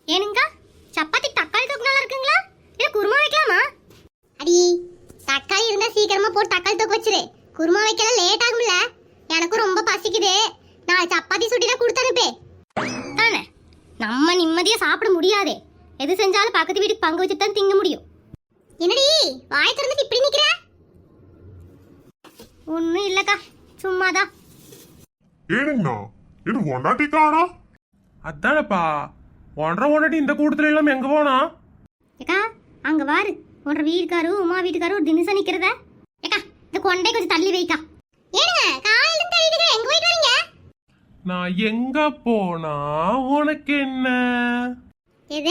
ஏனுங்க சப்பாத்தி தக்காளி தொக்கு நல்லா இருக்குங்களா இல்ல குருமா வைக்கலாமா? அடி தக்காளி இருந்தா சீக்கிரமா போட்டு தக்காளி தொக்கு வச்சிரு. குருமா வைக்கல லேட் ஆகும்ல. எனக்கும் ரொம்ப பசிக்குது. நான் சப்பாத்தி சுட்டி தான் கொடுத்து அனுப்பே. தானே நம்ம நிம்மதியா சாப்பிட முடியாதே. எது செஞ்சாலும் பக்கத்து வீட்டுக்கு பங்கு வச்சுட்டு தான் திங்க முடியும். என்னடி வாய் திறந்துட்டு இப்படி நிக்கிற? ஒண்ணும் இல்லக்கா, சும்மாதான். ஏனுங்கண்ணா இது ஒண்டாட்டி காணா? அதானப்பா ஒன்றரை இந்த கூட்டத்துல எல்லாம் எங்க போனா? ஏக்கா அங்க வாரு, உன்ற வீட்டுக்காரு உமா வீட்டுக்காரு ஒரு தினசா நிக்கிறத. ஏக்கா இந்த கொண்டை கொஞ்சம் தள்ளி வைக்கா. ஏனுங்க காலையில இருந்து தேடிட்டு எங்க போயிட்டு வரீங்க? நான் எங்க போனா உனக்கு என்ன? எது?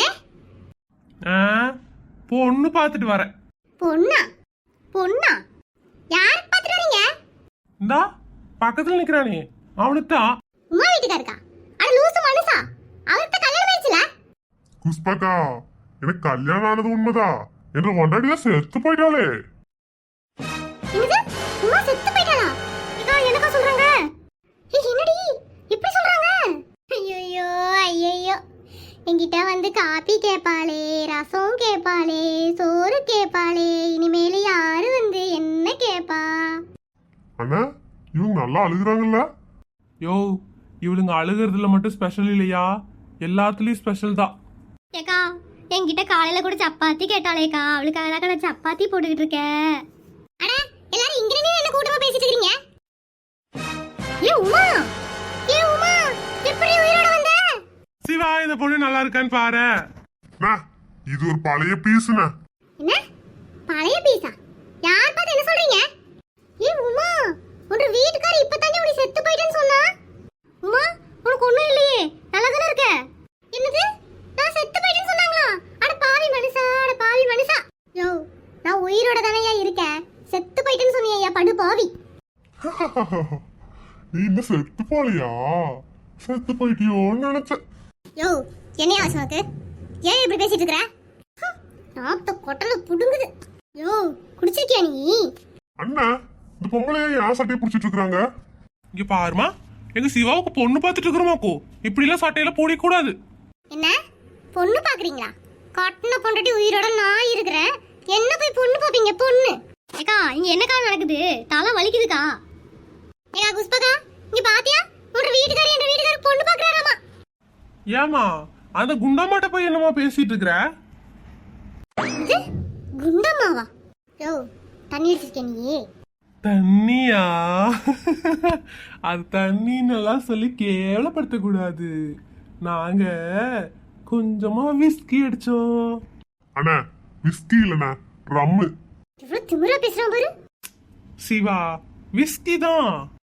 பொண்ணு பாத்துட்டு வரேன். பொண்ணா? பொண்ணா? யார் பாத்துட்டு வரீங்க? இந்தா பக்கத்துல நிக்கிறானே அவனுக்கு தான். உமா வீட்டுக்காருக்கா? அட லூசு மனுஷா, அவருக்கு கல்யாணம் ஆயிடுச்சுல? குஷ்பக்கா எனக்கு கல்யாணம் ஆனது உண்மைதா. என்ற ஒண்டாட்டில செத்து போயிட்டாளே. என்னது? உமா செத்து போயிட்டாளா? ஏக்கா என்னக்கா சொல்றாங்க? என்னடி இப்படி சொல்றாங்க? ஐயோ ஐயோ, என்கிட்ட வந்து காபி கேட்பாளே, ரசம் கேட்பாளே, சோறு கேட்பாளே, இனிமேல் யாரு வந்து என்ன கேட்பா? அண்ணா இவங்க நல்லா அழுகுறாங்கல்ல? யோ இவளுங்க அழுகிறதுல மட்டும் ஸ்பெஷல் இல்லையா, எல்லாத்துலயும் ஸ்பெஷல் தான். ஏக்கா என்கிட்ட காலையில கூட சப்பாத்தி கேட்டாளேக்கா, அவளுக்காக நான் சப்பாத்தி போட்டுக்கிட்டு இருக்கேன். அட எல்லாரும் இங்க நின்னு என்ன கூட்டமா பேசிட்டு இருக்கீங்க? ஏ உமா, ஏ உமா, எப்படி உயிரோட வந்த? சிவா இந்த பொண்ணு நல்லா இருக்கான்னு பாரு. இது ஒரு பழைய பீஸ்ண்ணா. என்ன பழைய பீஸா? யார் பார்த்து என்ன சொல்றீங்க? ஏ உமா, உன் வீட்டுக்காரர் இப்பதானே உனி செத்து போயிட்டேன்னு சொன்னா. உமா உனக்கு ஒண்ணும் இல்லையே, நல்லா தானே இருக்க? என்னது நான் செத்து போயிட்டேன்னு சொன்னாங்களா? அட பாவி மனுஷா, அட பாவி மனுஷா. யோ நான் உயிரோட தானேயா இருக்கேன், செத்து போயிட்டேன்னு சொன்னியா படு பாவி. நீ இன்னும் செத்து போலையா? செத்து போயிட்டியோன்னு நினைச்சேன். யோ என்னையா ஆச்சு உனக்கு? ஏன் இப்படி பேசிட்டு இருக்கற? நாத்த கொட்டல புடுங்குது. யோ குடிச்சிருக்கியா நீ? அண்ணா இந்த பொம்பளைய யார் சட்டையை பிடிச்சிட்டு இருக்காங்க? இங்க பாருமா, எங்க சிவாவுக்கு பொண்ணு பாத்துட்டு இருக்கிறோமாக்கோ. இப்படி எல்லாம் சட்டையில போட கூடாது. என்ன பொண்ணு பாக்குறீங்களா? கட்டின பொண்டாட்டி உயிரோட நான் இருக்கிறேன், என்ன போய் பொண்ணு பாப்பீங்க? பொண்ணு ஏக்கா இங்க என்னக்கா நடக்குது? தலை வலிக்குதுக்கா. ஏக்கா குஷ்பகா இங்க பாத்தியா? உங்க வீட்டுக்காரர் என்ற வீட்டுக்காரர் பொண்ணு பாக்குறாராமா. ஏமா அந்த குண்டாமாட்ட போய் என்னமா பேசிட்டு இருக்கிற? இது குண்டம்மாவா? யோ தண்ணி அடிச்சிருக்க நீ? தண்ணியா? அது தண்ணின்னெல்லாம் சொல்லி கேவலப்படுத்த கூடாது. நாங்க கொஞ்சமா விஸ்கி அடிச்சோம். அண்ணா விஸ்கி இல்லண்ணா, ரம்மு. இவ்வளவு திமிரா பேசுறான் பாரு. சிவா விஸ்கி தான்.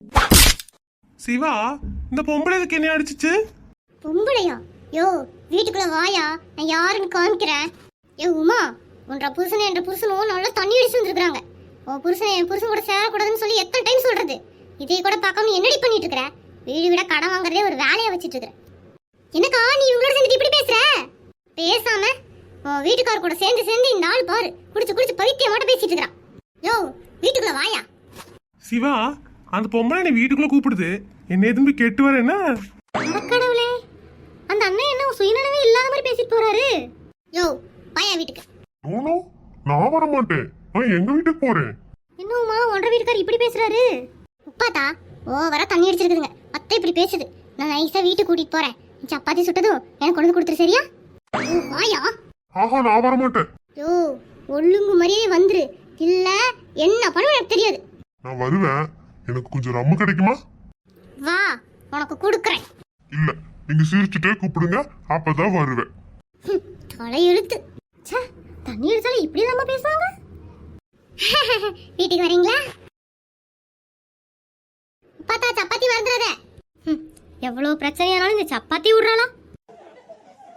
சிவா இந்த பொம்பளை இதுக்கு என்ன அடிச்சிச்சு? பொம்பளையா? யோ வீட்டுக்குள்ள வாயா, நான் யாருன்னு காமிக்கிறேன். ஏ உமா, உன்ற புருஷன் என்ற புருஷனும் நல்லா தண்ணி அடிச்சு வந்துருக்காங்க. உன் புருஷன் என் புருஷன் கூட சேரக்கூடாதுன்னு சொல்லி எத்தனை டைம் சொல்றது? இதை கூட பார்க்காம என்னடி பண்ணிட்டு இருக்கிற? வீடு விட கடன் வாங்குறதே ஒரு வேலையா வச்சிட்டு இருக்கிற. என்னக்கா நீ இவங்களோட சேர்ந்து இப்படி பேசுற? பேசாம உன் வீட்டுக்கார கூட சேர்ந்து சேர்ந்து இந்த ஆள் பாரு குடிச்சு குடிச்சு பைத்தியம் மட்டும் பேசிட்டு இருக்கிறான். யோ வீட்டுக்குள்ள வாயா. சிவா அந்த பொம்பளை என்னை வீட்டுக்குள்ள கூப்பிடுது, என்ன எதுவும் போய் கேட்டு வர என்ன? கடவுளே, அந்த அண்ணன் என்ன சுயநலமே இல்லாத மாதிரி பேசிட்டு போறாரு. யோ வாயா வீட்டுக்கு. நோ நான் வர மாட்டேன், நான் எங்க வீட்டுக்கு போறேன். என்னம்மா ஒன்றரை வீட்டுக்கார் இப்படி பேசுறாரு? உப்பாத்தா ஓவரா தண்ணி அடிச்சிருக்குதுங்க, அத்தை இப்படி பேசுது. நான் நைஸா வீட்டுக்கு கூட்டிட்டு போறேன். சப்பாத்தி சுட்டதும் எனக்கு கொண்டு கொடுத்துரு சரியா? வாயா. ஆஹா நான் வர மாட்டேன். யோ ஒழுங்கு மாதிரியே வந்துரு, இல்ல என்ன பண்ணுவேன் எனக்கு தெரியாது. நான் வருவேன், எனக்கு கொஞ்சம் ரம்மு கிடைக்குமா? வா உனக்கு கொடுக்குறேன். இல்ல நீங்க சிரிச்சுட்டே கூப்பிடுங்க, அப்பதான் வருவேன். தலை எழுத்து. தண்ணி அடிச்சாலும் இப்படி நம்ம பேசுவாங்க. வீட்டுக்கு வரீங்களா? பார்த்தா சப்பாத்தி வந்துடாத. எவ்வளவு பிரச்சனையானாலும் இந்த சப்பாத்தி விடுறாளா?